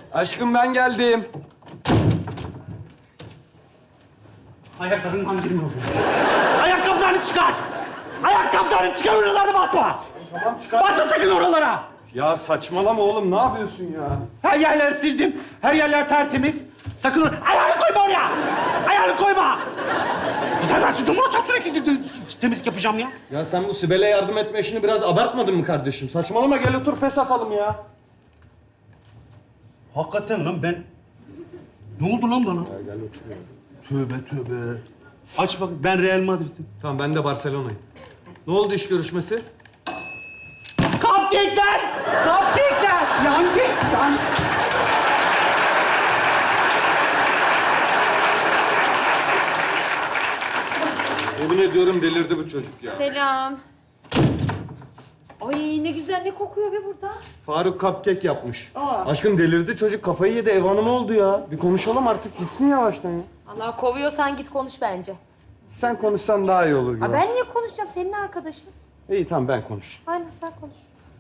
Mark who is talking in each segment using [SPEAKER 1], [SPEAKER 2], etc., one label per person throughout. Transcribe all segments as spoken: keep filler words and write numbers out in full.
[SPEAKER 1] Aşkım ben geldim.
[SPEAKER 2] Ayakkabından girme oluyor. Ayakkabılarını çıkar! Ayakkabılarını çıkar, oralara basma!
[SPEAKER 1] Tamam çıkar.
[SPEAKER 2] Basma sakın oralara!
[SPEAKER 1] Ya saçmalama oğlum, ne yapıyorsun ya?
[SPEAKER 2] Her yerleri sildim, her yerler tertemiz. Sakın or- ayağını koyma oraya! Ayağını koyma! Yeter, ben sizden uğraşacağım, sürekli temizlik yapacağım ya.
[SPEAKER 1] Ya sen bu Sibel'e yardım etme işini biraz abartmadın mı kardeşim? Saçmalama, gel otur pes atalım ya.
[SPEAKER 2] Hakikaten lan ben... Ne oldu lan bana?
[SPEAKER 1] Ya gel otur ya.
[SPEAKER 2] Tövbe tövbe. Aç bak, ben Real Madrid'im.
[SPEAKER 1] Tamam, ben de Barcelona'yım. Ne oldu iş görüşmesi?
[SPEAKER 2] Cupcake'ler! Cupcake'ler! Yancı! Yancı!
[SPEAKER 1] Yemin ediyorum delirdi bu çocuk ya.
[SPEAKER 3] Selam. Ay ne güzel, ne kokuyor be burada.
[SPEAKER 1] Faruk cupcake yapmış.
[SPEAKER 3] Aa.
[SPEAKER 1] Aşkım delirdi çocuk, kafayı yedi, ev hanımı oldu ya. Bir konuşalım artık, gitsin yavaştan ya.
[SPEAKER 3] Allah kovuyorsan git konuş bence.
[SPEAKER 1] Sen konuşsan daha iyi olur gibi.
[SPEAKER 3] Aa, ben niye konuşacağım? Senin arkadaşın.
[SPEAKER 1] İyi tamam, ben konuş.
[SPEAKER 3] Aynen, sen konuş.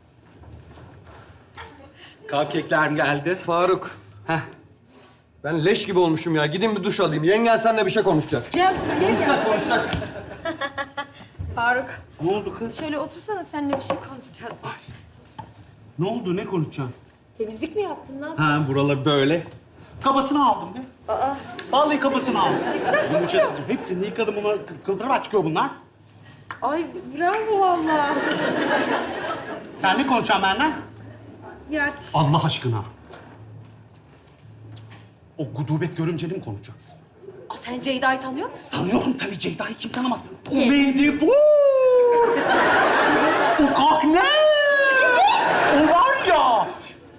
[SPEAKER 2] Cupcake'ler geldi.
[SPEAKER 1] Faruk. Heh. Ben leş gibi olmuşum ya. Gidin bir duş alayım. Yengen seninle bir şey konuşacak.
[SPEAKER 3] Cem, gel gel. Faruk,
[SPEAKER 2] Ne oldu kız?
[SPEAKER 3] şöyle otursana, seninle bir şey konuşacağız.
[SPEAKER 2] Ne oldu, ne konuşacaksın?
[SPEAKER 3] Temizlik mi yaptın lan?
[SPEAKER 2] Ha, buraları böyle. Kabasını aldım be.
[SPEAKER 3] Aa,
[SPEAKER 2] Vallahi kabasını aldım.
[SPEAKER 3] ne güzel kokuyor.
[SPEAKER 2] Yumuşatıcı. Hepsini yıkadım, bunlar kıldırıma çıkıyor bunlar.
[SPEAKER 3] Ay bravo valla.
[SPEAKER 2] Sen ne konuşacaksın benimle?
[SPEAKER 3] Ya
[SPEAKER 2] Allah aşkına. O gudubet görümceni mi konuşacaksın?
[SPEAKER 3] aa, sen Ceyda'yı tanıyor musun?
[SPEAKER 2] Tanıyorum tabii, Ceyda'yı kim tanımaz? O
[SPEAKER 3] Ye.
[SPEAKER 2] mendebur! O kahne! O var ya!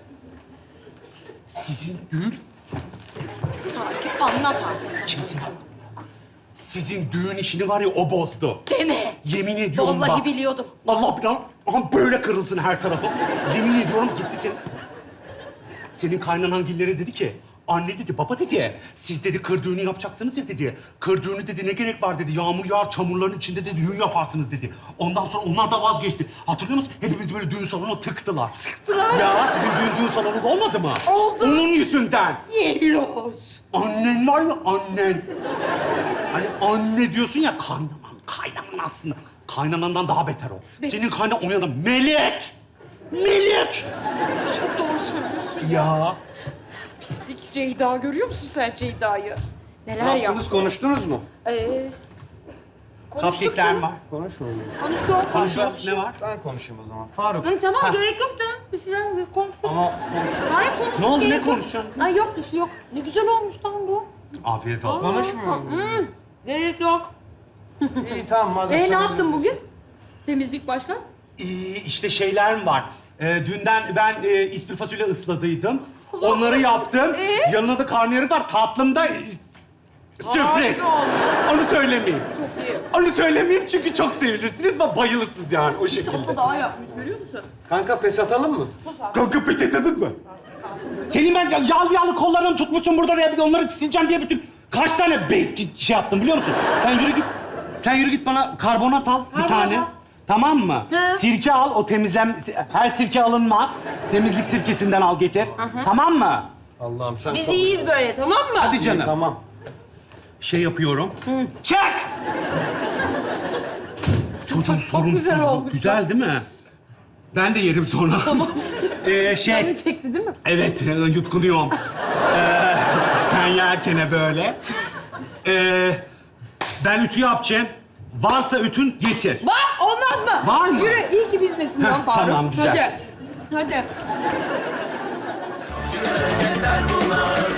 [SPEAKER 2] Sizin düğün...
[SPEAKER 3] Sakin, anlat artık.
[SPEAKER 2] Kimse yok. Sizin düğün işini var ya, o bozdu.
[SPEAKER 3] Deme.
[SPEAKER 2] Yemin ediyorum
[SPEAKER 3] Vallahi
[SPEAKER 2] bak.
[SPEAKER 3] biliyordum.
[SPEAKER 2] Allah bilir. Aha böyle kırılsın her tarafı. Yemin ediyorum gitti senin. Senin kaynanangilleri dedi ki, anne dedi, baba dedi, siz dedi kır düğünü yapacaksınız ya dedi. Kır düğünü dedi, ne gerek var dedi, yağmur yağar çamurların içinde dedi, düğün yaparsınız dedi. Ondan sonra onlar da vazgeçti. Hatırlıyor musun? Hepimiz böyle düğün salonuna tıktılar.
[SPEAKER 3] Tıktılar.
[SPEAKER 2] Ya sizin düğün düğün salonu da olmadı mı?
[SPEAKER 3] Oldu.
[SPEAKER 2] Onun yüzünden.
[SPEAKER 3] Yelloz.
[SPEAKER 2] Annen var ya, annen. Hani anne diyorsun ya, kaynanan, kaynanan aslında. Kaynanandan daha beter o. Senin kaynanan o yana melek. Melek.
[SPEAKER 3] Çok doğru söylüyorsun.
[SPEAKER 2] Ya.
[SPEAKER 3] Pislik Ceyda, görüyor musun sen Ceyda'yı?
[SPEAKER 1] Ne
[SPEAKER 3] Neler
[SPEAKER 1] yaptınız,
[SPEAKER 3] yaptı?
[SPEAKER 1] konuştunuz mu?
[SPEAKER 3] Ee, konuştuk
[SPEAKER 2] Cupcake'ler
[SPEAKER 3] canım.
[SPEAKER 2] var.
[SPEAKER 1] Konuşmayın.
[SPEAKER 3] Konuştuk.
[SPEAKER 2] Konuşuyoruz, ne var?
[SPEAKER 1] Ben konuşayım o zaman. Faruk.
[SPEAKER 3] Hı, tamam, gerek yok canım. Bir şeyler bir konuştuk.
[SPEAKER 1] Ama
[SPEAKER 3] Hayır, konuştuk.
[SPEAKER 2] Ne oldu, ne
[SPEAKER 3] gerek yok.
[SPEAKER 2] konuşacaksın?
[SPEAKER 3] Ay yok, bir şey yok. Ne güzel olmuş lan bu.
[SPEAKER 2] Afiyet olsun.
[SPEAKER 1] konuşmuyorum.
[SPEAKER 3] Hı, gerek yok.
[SPEAKER 1] İyi tamam madem.
[SPEAKER 3] Ee, ne
[SPEAKER 1] sen-
[SPEAKER 3] yaptın bugün? Temizlik başka?
[SPEAKER 2] Ee, işte şeyler mi var? Ee, dünden ben e, ispir fasulye ısladıydım. Onları yaptım.
[SPEAKER 3] Ee?
[SPEAKER 2] Yanına da karnıyarık var. Tatlımda e, sürpriz.
[SPEAKER 3] Harika olmuş.
[SPEAKER 2] Onu söylemeyeyim.
[SPEAKER 3] Çok iyi.
[SPEAKER 2] Onu söylemeyeyim çünkü çok sevilirsiniz ve bayılırsınız yani o şekilde.
[SPEAKER 3] Tatlı daha yapmış, görüyor musun?
[SPEAKER 1] Kanka pes atalım mı?
[SPEAKER 2] Kanka peçetedin mi? Senin ben ya- yağlı yağlı kollarını tutmuşsun burada ya, bir de onları sileceğim diye bütün kaç tane bez ki- şey yaptım biliyor musun? Sen yürü git. Sen yürü git, bana karbonat al bir
[SPEAKER 3] Karbonat.
[SPEAKER 2] tane. Tamam mı?
[SPEAKER 3] He.
[SPEAKER 2] Sirke al, o temizlem... Her sirke alınmaz. Temizlik sirkesinden al getir. Tamam mı?
[SPEAKER 1] Allah'ım sen
[SPEAKER 3] Biz
[SPEAKER 1] sabır.
[SPEAKER 3] iyiyiz böyle, tamam mı?
[SPEAKER 2] Hadi
[SPEAKER 1] İyi,
[SPEAKER 2] canım.
[SPEAKER 1] tamam.
[SPEAKER 2] Şey yapıyorum. Çek! Çocuğun
[SPEAKER 3] Çok
[SPEAKER 2] sorumsuzluğu.
[SPEAKER 3] güzel olmuş.
[SPEAKER 2] Güzel değil mi? Ben de yerim sonra. Tamam. ee, şey...
[SPEAKER 3] Canını çekti değil mi?
[SPEAKER 2] Evet, e, yutkunuyorum. ee, sen yerkene böyle. Ee, ben ütü yapacağım. Varsa ütün getir.
[SPEAKER 3] Var, olmaz mı?
[SPEAKER 2] Var mı?
[SPEAKER 3] Yürü, iyi ki biznesin lan
[SPEAKER 2] Heh,
[SPEAKER 3] Faruk.
[SPEAKER 2] tamam, güzel.
[SPEAKER 3] Hadi. Hadi.
[SPEAKER 4] Yeter bunlar